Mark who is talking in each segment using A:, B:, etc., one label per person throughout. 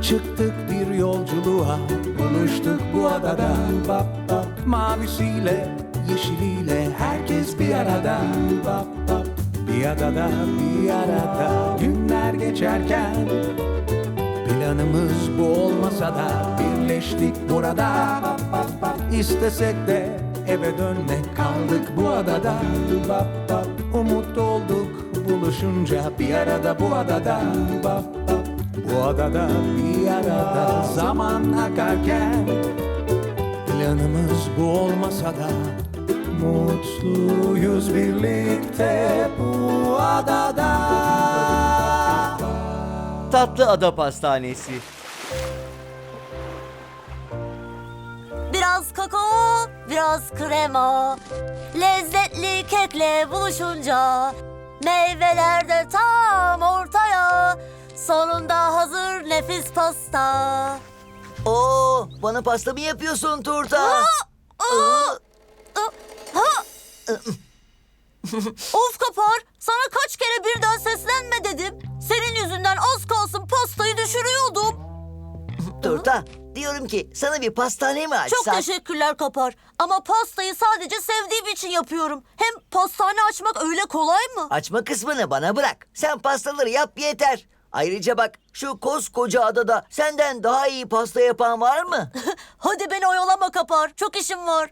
A: Çıktık bir yolculuğa, buluştuk bu adada. Bap bap. Mavisiyle, yeşiliyle herkes bir arada. Bap bap. Bir adada, bir arada günler geçerken planımız bu olmasa da birleştik burada. Bap bap bap. İstesek de eve dönmek, kaldık bu adada. Bap bap. Umut olduk buluşunca bir arada bu adada. Bap bap. Bu adada bir arada zaman akarken planımız bu olmasa da mutluyuz birlikte bu adada.
B: Tatlı Ada Pastanesi.
C: Biraz kakao, biraz krema. Lezzetli kekle buluşunca meyveler de tam ortaya. Sonunda hazır nefis pasta.
B: Oo, bana pasta mı yapıyorsun Turta?
C: Of Kapar, sana kaç kere birden seslenme dedim. Senin yüzünden az kalsın pastayı düşürüyordum.
B: Turta, diyorum ki sana bir pastane mi açsak?
C: Çok teşekkürler Kapar. Ama pastayı sadece sevdiğim için yapıyorum. Hem pastane açmak öyle kolay mı?
B: Açma kısmını bana bırak. Sen pastaları yap yeter. Ayrıca bak, şu koskoca adada senden daha iyi pasta yapan var mı?
C: Hadi beni oyalama Kapar. Çok işim var.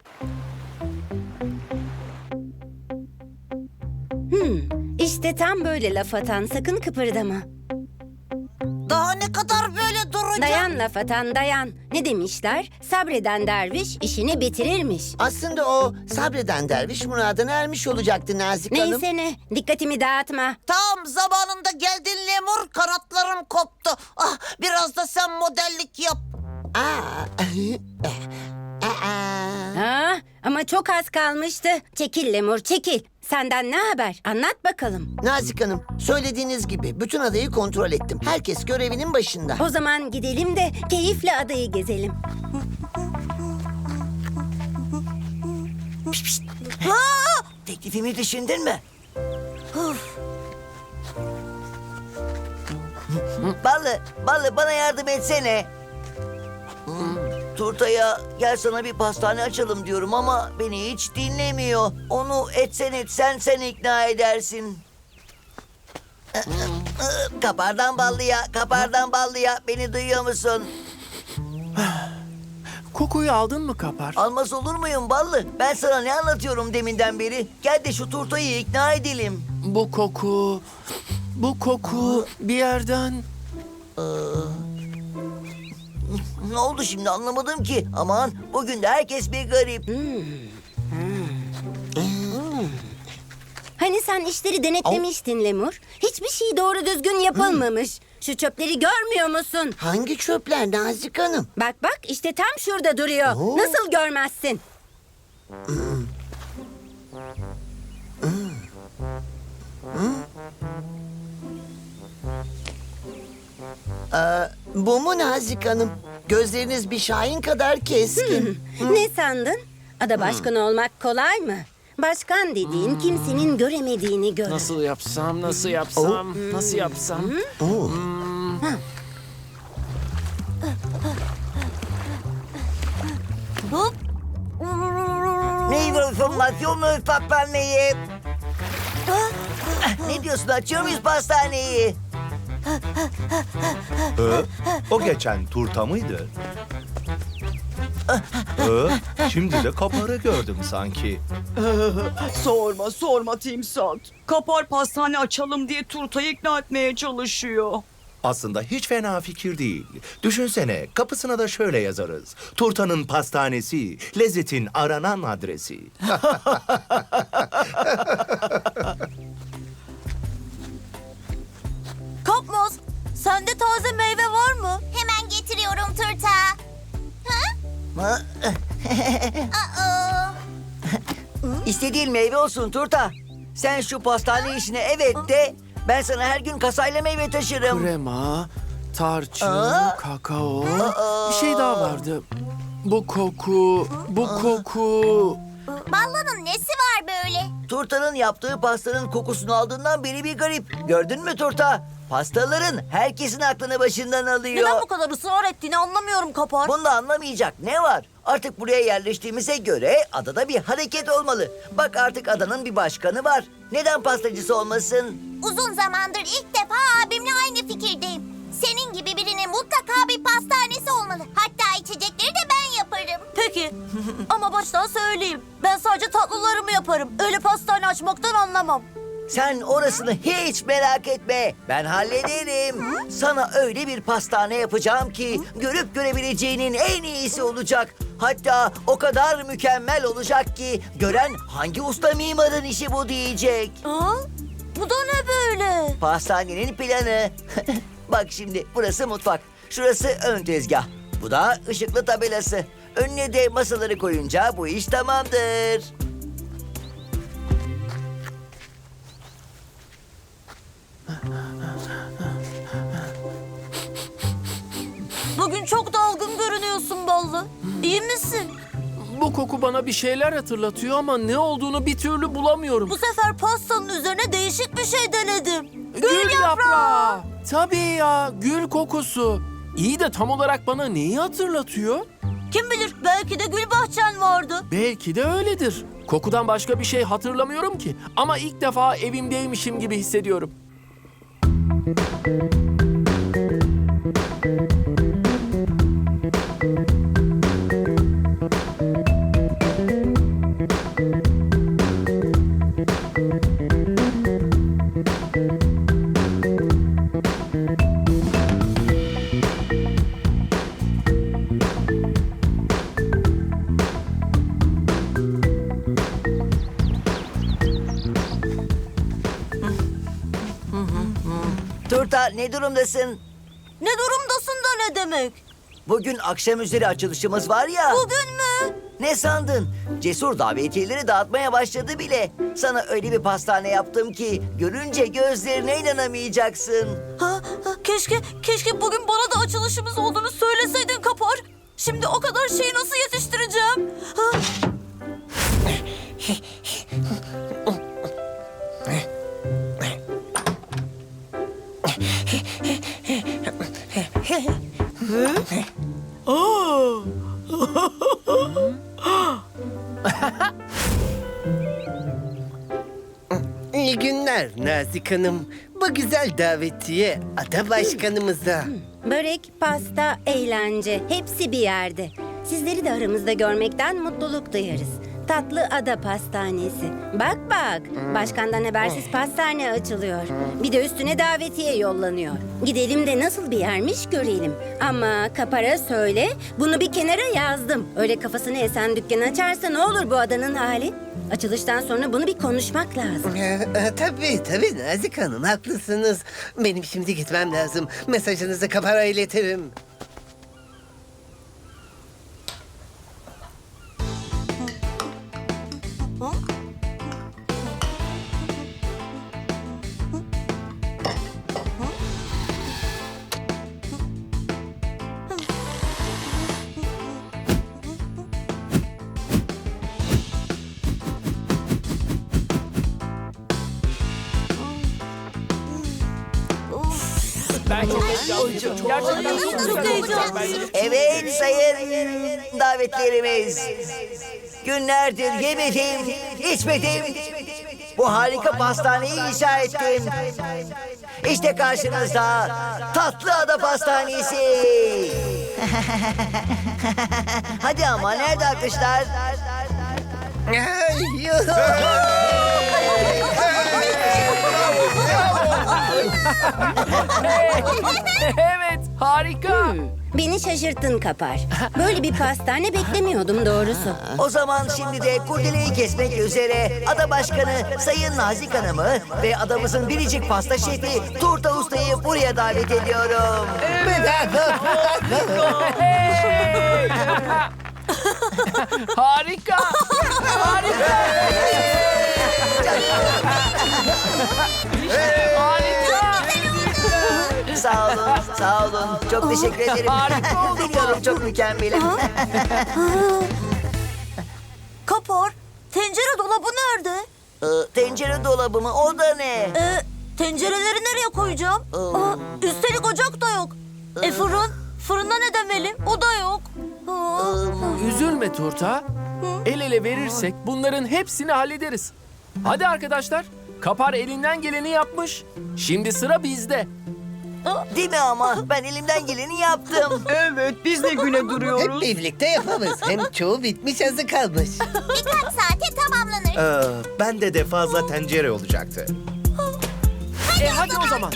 D: İşte tam böyle laf atan, sakın kıpırdama.
C: Daha ne kadar böyle duracağım?
D: Dayan laf atan, dayan. Ne demişler? Sabreden derviş işini bitirirmiş.
E: Aslında o sabreden derviş muradına ermiş olacaktı Nazik Hanım.
D: Neyse ne, dikkatimi dağıtma.
F: Tam zamanında geldin Lemur, kanatlarım koptu. Ah, biraz da sen modellik yap.
D: Ama çok az kalmıştı. Çekil Lemur, çekil. Senden ne haber? Anlat bakalım.
E: Nazik Hanım, söylediğiniz gibi bütün adayı kontrol ettim. Herkes görevinin başında.
D: O zaman gidelim de keyifle adayı gezelim.
B: Teklifimi düşündün mü? Ballı bana yardım etsene. Turta'ya gel sana bir pastane açalım diyorum ama beni hiç dinlemiyor. Onu etsen sen ikna edersin. Kapardan ballıya beni duyuyor musun?
G: Kokuyu aldın mı Kapar?
B: Almaz olur muyum ballı? Ben sana ne anlatıyorum deminden beri? Gel de şu Turta'yı ikna edelim.
G: Bu koku bir yerden...
B: Ne oldu şimdi anlamadım ki. Aman bugün de herkes bir garip.
D: Hani sen işleri denetlemiştin Lemur? Hiçbir şey doğru düzgün yapılmamış. Şu çöpleri görmüyor musun?
E: Hangi çöpler Nazik Hanım?
D: Bak bak, işte tam şurada duruyor. Nasıl görmezsin?
E: Bu mu Nazik Hanım? Gözleriniz bir şahin kadar keskin.
D: Ne sandın? Ada başkanı olmak kolay mı? Başkan dediğin kimsenin göremediğini görür.
G: Nasıl yapsam?
C: Hop.
B: Meyve formasyonu pastaneyi. Ne diyorsun, açıyor muyuz pastaneyi?
H: O geçen turta mıydı? Şimdi de Kapar'ı gördüm sanki.
I: Sorma Timsat. Kapar pastane açalım diye Turta'yı ikna etmeye çalışıyor.
H: Aslında hiç fena fikir değil. Düşünsene, kapısına da şöyle yazarız. Turtanın pastanesi, lezzetin aranan adresi.
C: Kapmaz, sende taze meyve var mı?
J: Hemen getiriyorum Turta.
B: İstediğin meyve olsun Turta. Sen şu pastane işine evet de, ben sana her gün kasayla meyve taşırım.
G: Krema, tarçın, kakao. Bir şey daha vardı. Bu koku.
J: Ballı'nın nesi var böyle?
B: Turta'nın yaptığı pastanın kokusunu aldığından beri bir garip. Gördün mü Turta? Pastaların herkesin aklını başından alıyor.
C: Neden bu kadar ısrar ettiğini anlamıyorum Kapar.
B: Bunda anlamayacak ne var? Artık buraya yerleştiğimize göre adada bir hareket olmalı. Bak artık adanın bir başkanı var. Neden pastacısı olmasın?
J: Uzun zamandır ilk defa abimle aynı fikirdeyim. Senin gibi birinin mutlaka bir pastanesi olmalı. Hatta içecekleri de ben yaparım.
C: Peki ama baştan söyleyeyim. Ben sadece tatlılarımı yaparım. Öyle pastane açmaktan anlamam.
B: Sen orasını hiç merak etme. Ben hallederim. Sana öyle bir pastane yapacağım ki görüp görebileceğinin en iyisi olacak. Hatta o kadar mükemmel olacak ki gören hangi usta mimarın işi bu diyecek.
C: Aa, bu da ne böyle?
B: Pastanenin planı. Bak şimdi burası mutfak. Şurası ön tezgah. Bu da ışıklı tabelası. Önüne de masaları koyunca bu iş tamamdır.
C: Bugün çok dalgın görünüyorsun Ballı. İyi misin?
G: Bu koku bana bir şeyler hatırlatıyor ama ne olduğunu bir türlü bulamıyorum.
C: Bu sefer pastanın üzerine değişik bir şey denedim.
G: Gül yaprağı. Tabii ya, gül kokusu. İyi de tam olarak bana neyi hatırlatıyor?
C: Kim bilir belki de gül bahçen vardı.
G: Belki de öyledir. Kokudan başka bir şey hatırlamıyorum ki. Ama ilk defa evimdeymişim gibi hissediyorum.
B: Turta ne durumdasın?
C: Ne durumdasın da ne demek?
B: Bugün akşam üzeri açılışımız var ya.
C: Bugün mü?
B: Ne sandın? Cesur davetiyeleri dağıtmaya başladı bile. Sana öyle bir pastane yaptım ki görünce gözlerine inanamayacaksın.
C: Keşke bugün bana da açılışımız olduğunu söyleseydin Kapar. Şimdi o kadar şeyi nasıl yetiştireceğim? Ha?
K: İyi günler Nazik Hanım. Bu güzel davetiye ada başkanımıza.
D: Börek, pasta, eğlence hepsi bir yerde. Sizleri de aramızda görmekten mutluluk duyarız. Tatlı Ada Pastanesi. Bak bak, başkandan habersiz pastane açılıyor. Bir de üstüne davetiye yollanıyor. Gidelim de nasıl bir yermiş görelim. Ama Kapar'a söyle, bunu bir kenara yazdım. Öyle kafasını esen dükkan açarsa ne olur bu adanın hali? Açılıştan sonra bunu bir konuşmak lazım.
K: Tabii Nazik Hanım haklısınız. Benim şimdi gitmem lazım. Mesajınızı Kapar'a iletirim.
G: Ben çok heyecanlıyım. Gerçekten
C: çok heyecanlıyım.
B: Evet sayın davetlerimiz. Günlerdir yemedim, içmedim. Bu harika pastaneyi inşa ettim. İşte karşınızda Tatlı Ada Pastanesi. Hadi ama nerede alkışlar?
G: Evet, harika.
D: Beni şaşırttın Kapar. Böyle bir pastane beklemiyordum doğrusu.
B: O zaman şimdi de kurdeleyi kesmek üzere Ada Başkanı Sayın Nazik Hanım'ı ve adamızın biricik pasta şefi Turta Usta'yı buraya davet ediyorum.
G: Harika. Harika. Harika.
B: Sağ olun. Çok teşekkür ederim.
G: Harika oldu bu.
B: Biliyorum çok mükemmelim.
C: Kapar, tencere dolabı nerede?
B: Tencere dolabı mı? O da ne?
C: Tencereleri nereye nereye koyacağım? Üstelik ocak da yok. Fırın? Fırında ne demeli? O da yok.
G: Üzülme Turta. El ele verirsek bunların hepsini hallederiz. Hadi arkadaşlar. Kapar elinden geleni yapmış. Şimdi sıra bizde.
B: Değil mi ama? Ben elimden geleni yaptım.
I: Evet, biz de güne
K: Hep
I: duruyoruz.
K: birlikte yapamız. Hem çoğu bitmiş azı kalmış.
J: Birkaç saate tamamlanır.
H: Bende de fazla tencere olacaktı.
G: Hadi o zaman.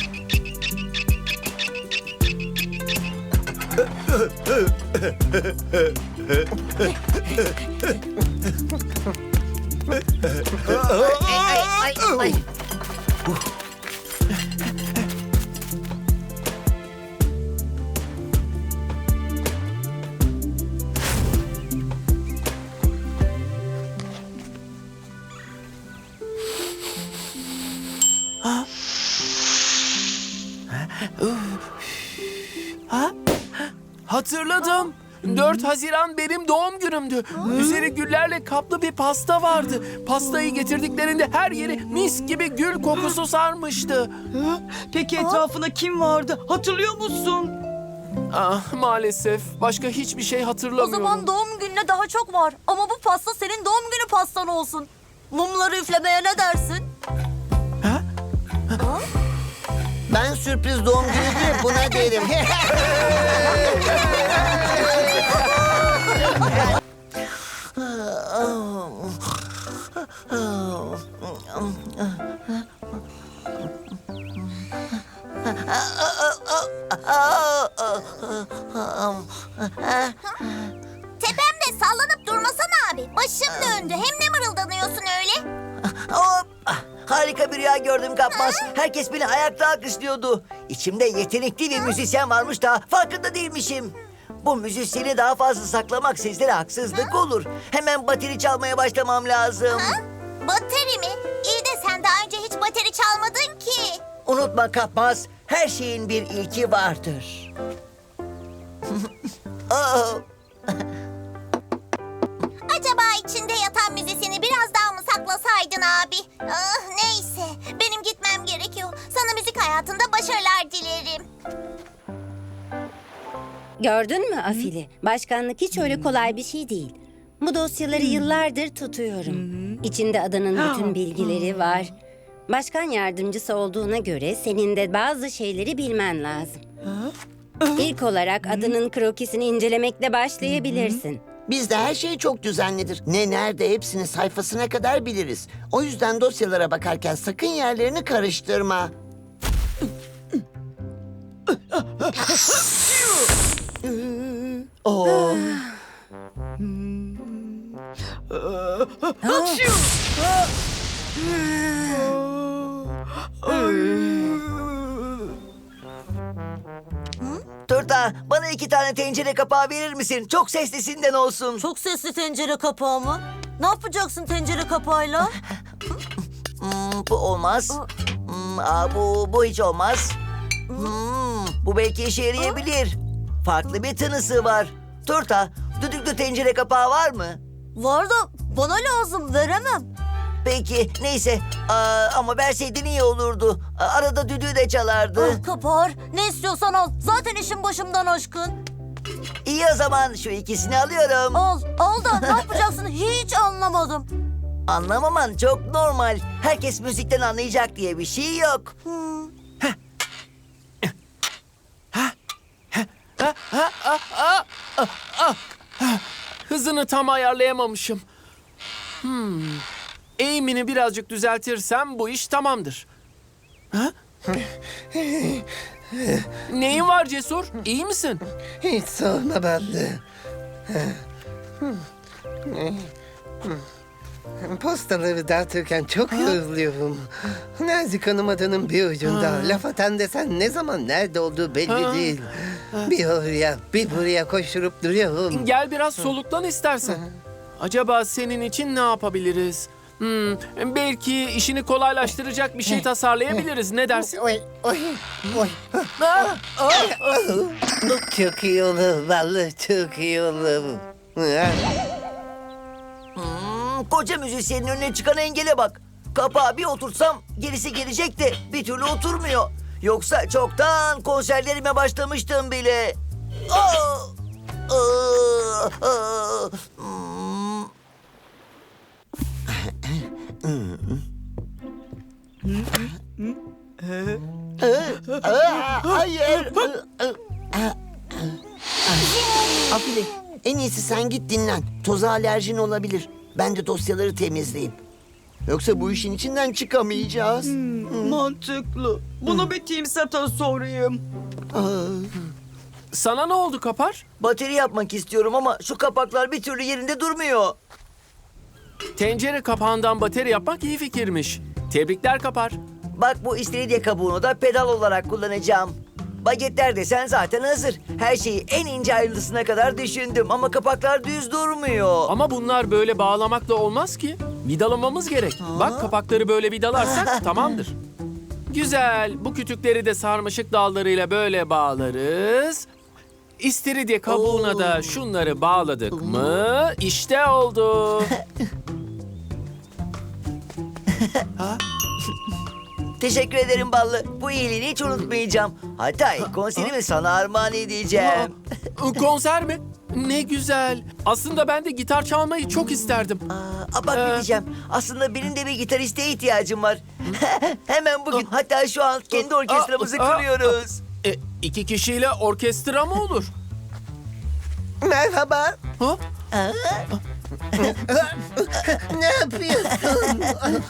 G: Hatırladım. 4 Haziran benim doğum günümdü. Üzeri güllerle kaplı bir pasta vardı. Pastayı getirdiklerinde her yeri mis gibi gül kokusu sarmıştı.
I: Peki etrafında kim vardı? Hatırlıyor musun?
G: Ah, maalesef başka hiçbir şey
C: O
G: hatırlamıyorum.
C: zaman doğum gününe daha çok var. Ama bu pasta senin doğum günü pastan olsun. Mumları üflemeye ne dersin?
E: Ben sürpriz doğum günü diye buna derim.
J: Tepemde sallanıp durmasana abi. Başım döndü. Hem ne mırıldanıyorsun öyle?
B: Hop! Harika bir rüya gördüm Kapmaz. Herkes beni ayakta alkışlıyordu. İçimde yetenekli bir müzisyen varmış da farkında değilmişim. Bu müzisyeni daha fazla saklamak sizlere haksızlık olur. Hemen bateri çalmaya başlamam lazım.
J: Ha? Bateri mi? İyi de sen daha önce hiç bateri çalmadın ki.
B: Unutma Kapmaz, her şeyin bir ilki vardır. Oh!
J: Acaba içinde yatan müzisyeni biraz daha mı saklasaydın abi? Ah, neyse. Benim gitmem gerekiyor. Sana müzik hayatında başarılar dilerim.
D: Gördün mü Afili? Başkanlık hiç öyle kolay bir şey değil. Bu dosyaları yıllardır tutuyorum. İçinde adanın bütün bilgileri var. Başkan yardımcısı olduğuna göre senin de bazı şeyleri bilmen lazım. İlk olarak adanın krokisini incelemekle başlayabilirsin.
E: Bizde her şey çok düzenlidir. Ne nerede hepsini sayfasına kadar biliriz. O yüzden dosyalara bakarken sakın yerlerini karıştırma. Oo.
B: Turta, bana 2 tane tencere kapağı verir misin? Çok seslisinden olsun.
C: Çok sesli tencere kapağı mı? Ne yapacaksın tencere kapağıyla?
B: Bu olmaz. Bu hiç olmaz. Bu belki işe yarayabilir. Farklı bir tınısı var. Turta, düdüklü tencere kapağı var mı?
C: Var da bana lazım, veremem.
B: Peki, neyse. Ama verseydin iyi olurdu. Arada düdüğü de çalardı.
C: Ah Kapar, ne istiyorsan al. Zaten işin başımdan aşkın.
B: İyi o zaman, şu ikisini alıyorum.
C: Al da ne yapacaksın hiç anlamadım.
B: Anlamaman çok normal. Herkes müzikten anlayacak diye bir şey yok.
G: Hızını tam ayarlayamamışım. Eğimini birazcık düzeltirsem bu iş tamamdır. Ha? Neyin var Cesur? İyi misin?
K: Hiç sorma Ballı. Postaları dağıtırken çok yoruluyorum. Nazik Hanım adanın bir ucunda. Laf atan desen ne zaman nerede olduğu belli değil. Bir oraya bir buraya koşturup duruyorum.
G: Gel biraz soluklan istersen. Acaba senin için ne yapabiliriz? Belki işini kolaylaştıracak bir şey tasarlayabiliriz. Ne dersin?
K: Oy, oy, oy. Çok iyi olur Ballı, çok iyi olur.
B: Koca müzisyenin önüne çıkan engele bak. Kapağı bir oturtsam gerisi gelecek de bir türlü oturmuyor. Yoksa çoktan konserlerime başlamıştım bile. Aa!
E: Hayır. Afile, en iyisi sen git dinlen. Toza alerjin olabilir. Ben de dosyaları temizleyeyim. Yoksa bu işin içinden çıkamayacağız.
I: Mantıklı. Bunu bir timsata sorayım.
G: Sana ne oldu Kapar?
B: Bateri yapmak istiyorum ama şu kapaklar bir türlü yerinde durmuyor.
G: Tencere kapağından bateri yapmak iyi fikirmiş. Tebrikler Kapar.
B: Bak bu istiridye kabuğunu da pedal olarak kullanacağım. Bagetler desen zaten hazır. Her şeyi en ince ayrıntısına kadar düşündüm ama kapaklar düz durmuyor.
G: Ama bunlar böyle bağlamakla olmaz ki. Vidalamamız gerek. Bak kapakları böyle vidalarsak tamamdır. Güzel. Bu kütükleri de sarmaşık dallarıyla böyle bağlarız. İstiridye kabuğuna da şunları bağladık mı? İşte oldu.
B: Teşekkür ederim Ballı. Bu iyiliğini hiç unutmayacağım. Hatta konserimi sana armağan edeceğim.
G: Konser mi? Ne güzel. Aslında ben de gitar çalmayı çok isterdim.
B: Bak ne diyeceğim. Aslında benim de bir gitariste ihtiyacım var. Hemen bugün hatta şu an kendi orkestramızı kuruyoruz.
G: 2 kişiyle orkestra mı olur?
K: Merhaba.
G: Ha?
K: Ne yapıyorsun?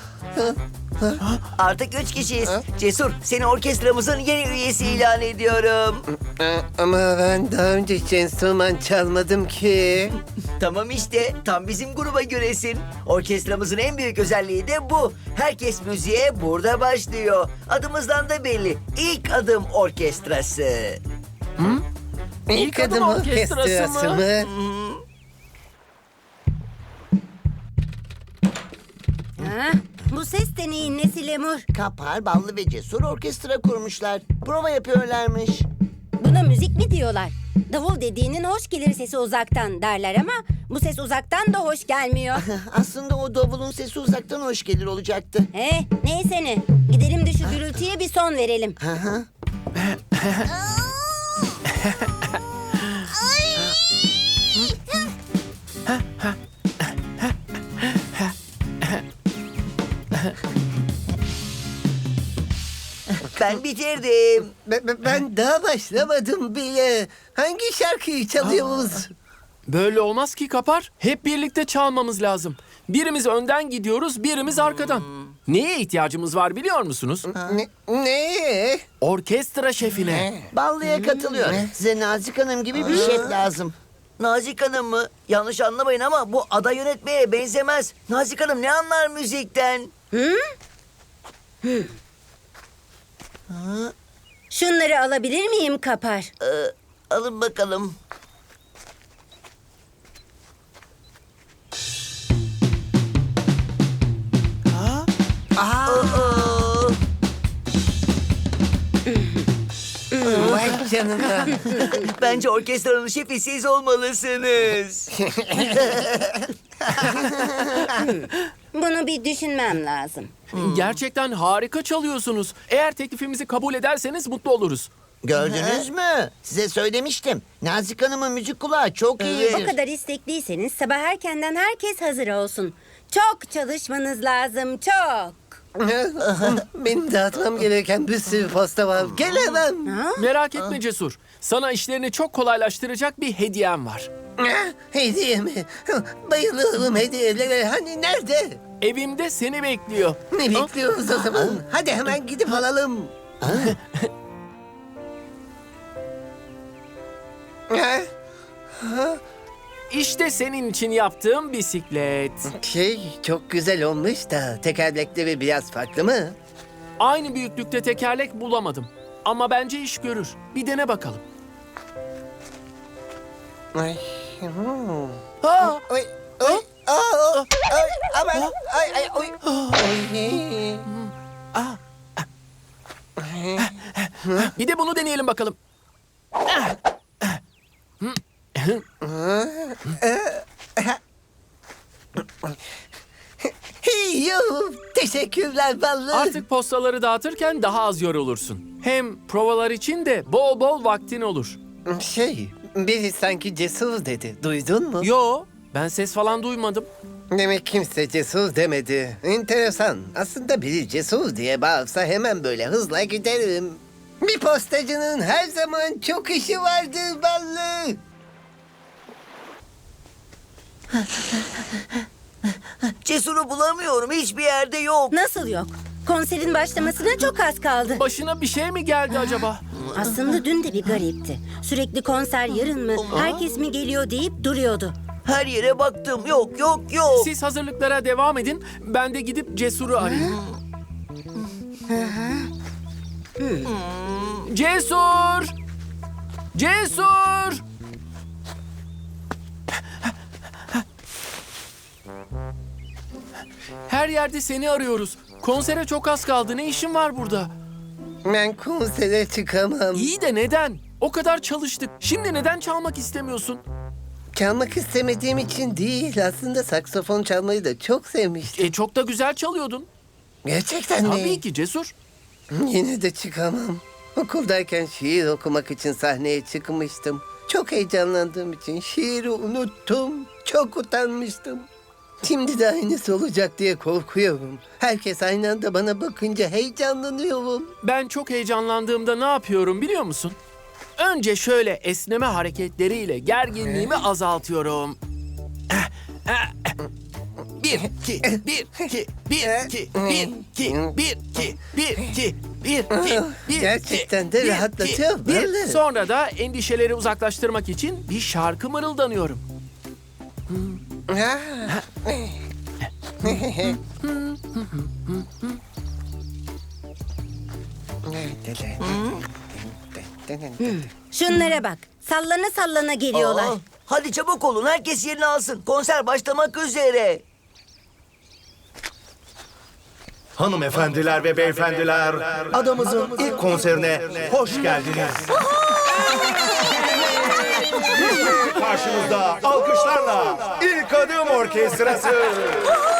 B: Artık 3 kişiyiz. Cesur, seni orkestramızın yeni üyesi ilan ediyorum.
K: Ama ben daha önce hiç enstrüman çalmadım ki.
B: Tamam işte, tam bizim gruba göresin. Orkestramızın en büyük özelliği de bu. Herkes müziğe burada başlıyor. Adımızdan da belli. İlk adım orkestrası.
K: İlk adım orkestrası mı?
D: Ha? Bu ses de neyin nesi Lemur?
E: Kapar, Ballı ve Cesur orkestra kurmuşlar. Prova yapıyorlarmış.
D: Buna müzik mi diyorlar? Davul dediğinin hoş gelir sesi uzaktan derler ama bu ses uzaktan da hoş gelmiyor.
E: Aslında o davulun sesi uzaktan hoş gelir olacaktı.
D: Neyse ne. Gidelim de şu gürültüye bir son verelim.
B: Ben bitirdim.
K: Ben daha başlamadım bile. Hangi şarkıyı çalıyoruz?
G: Böyle olmaz ki Kapar. Hep birlikte çalmamız lazım. Birimiz önden gidiyoruz, birimiz arkadan. Neye ihtiyacımız var biliyor musunuz?
K: Ne?
G: Orkestra şefine.
E: Ballı'ya katılıyor. Size Nazik Hanım gibi bir şef lazım.
B: Nazik Hanım mı? Yanlış anlamayın ama bu ada yönetmeye benzemez. Nazik Hanım ne anlar müzikten?
D: Şunları alabilir miyim Kapar?
B: Alın bakalım.
K: Vay canına.
B: Bence orkestranın şefi siz olmalısınız.
D: Bunu bir düşünmem lazım.
G: Gerçekten harika çalıyorsunuz. Eğer teklifimizi kabul ederseniz mutlu oluruz.
E: Gördünüz mü? Size söylemiştim. Nazik Hanım'ın müzik kulağı çok
D: O
E: iyidir.
D: kadar istekliyseniz sabah erkenden herkes hazır olsun. Çok çalışmanız lazım, çok.
K: Benim dağıtmam gereken bir sürü posta var. Gelemem.
G: Merak etme Cesur. Sana işlerini çok kolaylaştıracak bir hediyem var.
K: Hediye mi? Bayılıyorum hediyelere. Hani nerede?
G: Evimde seni bekliyor.
K: Ne bekliyoruz o zaman? Hadi hemen gidip alalım.
G: İşte senin için yaptığım bisiklet.
K: Çok güzel olmuş da tekerlekleri biraz farklı mı?
G: Aynı büyüklükte tekerlek bulamadım. Ama bence iş görür. Bir dene bakalım.
K: Ay.
G: Aa!
K: Oy, oy, aa, ay, aman, ay, oy.
G: Bir de bunu deneyelim bakalım.
K: Yuh, teşekkürler Ballı.
G: Artık postaları dağıtırken daha az yorulursun. Hem provalar için de bol bol vaktin olur.
K: Biri sanki cesur dedi. Duydun mu?
G: Yo, ben ses falan duymadım.
K: Demek kimse cesur demedi. Enteresan. Aslında biri cesur diye bağırsa hemen böyle hızla giderim. Bir postacının her zaman çok işi vardır ballı.
B: Cesur'u bulamıyorum. Hiçbir yerde yok.
D: Nasıl yok? Konserin başlamasına çok az kaldı.
G: Başına bir şey mi geldi acaba?
D: Aslında dün de bir garipti. Sürekli konser yarın mı, herkes mi geliyor deyip duruyordu.
B: Her yere baktım. Yok, yok, yok.
G: Siz hazırlıklara devam edin. Ben de gidip Cesur'u arayayım. Cesur! Cesur! Her yerde seni arıyoruz. Konsere çok az kaldı. Ne işin var burada?
K: Ben konsere çıkamam.
G: İyi de neden? O kadar çalıştık. Şimdi neden çalmak istemiyorsun?
K: Çalmak istemediğim için değil. Aslında saksafon çalmayı da çok sevmiştim.
G: Çok da güzel çalıyordun.
K: Gerçekten mi?
G: Tabii ki Cesur.
K: Yine de çıkamam. Okuldayken şiir okumak için sahneye çıkmıştım. Çok heyecanlandığım için şiiri unuttum. Çok utanmıştım. Şimdi de aynısı olacak diye korkuyorum. Herkes aynı anda bana bakınca heyecanlanıyorum.
G: Ben çok heyecanlandığımda ne yapıyorum biliyor musun? Önce şöyle esneme hareketleriyle gerginliğimi azaltıyorum. Bir, iki, bir, iki, bir, iki, bir, iki, bir, iki, bir, iki, bir, iki, bir,
K: Gerçekten de
G: bir,
K: rahatlatıyor,
G: iki, bir.
K: böyle.
G: Sonra da endişeleri uzaklaştırmak için bir şarkı mırıldanıyorum.
D: Şunlara bak, sallana sallana geliyorlar.
B: Aa, hadi çabuk olun. Herkes yerini alsın. Konser başlamak üzere.
H: Hanımefendiler ve beyefendiler, adamızın ilk konserine hoş geldiniz. Karşınızda alkışlarla ilk adım orkestrası.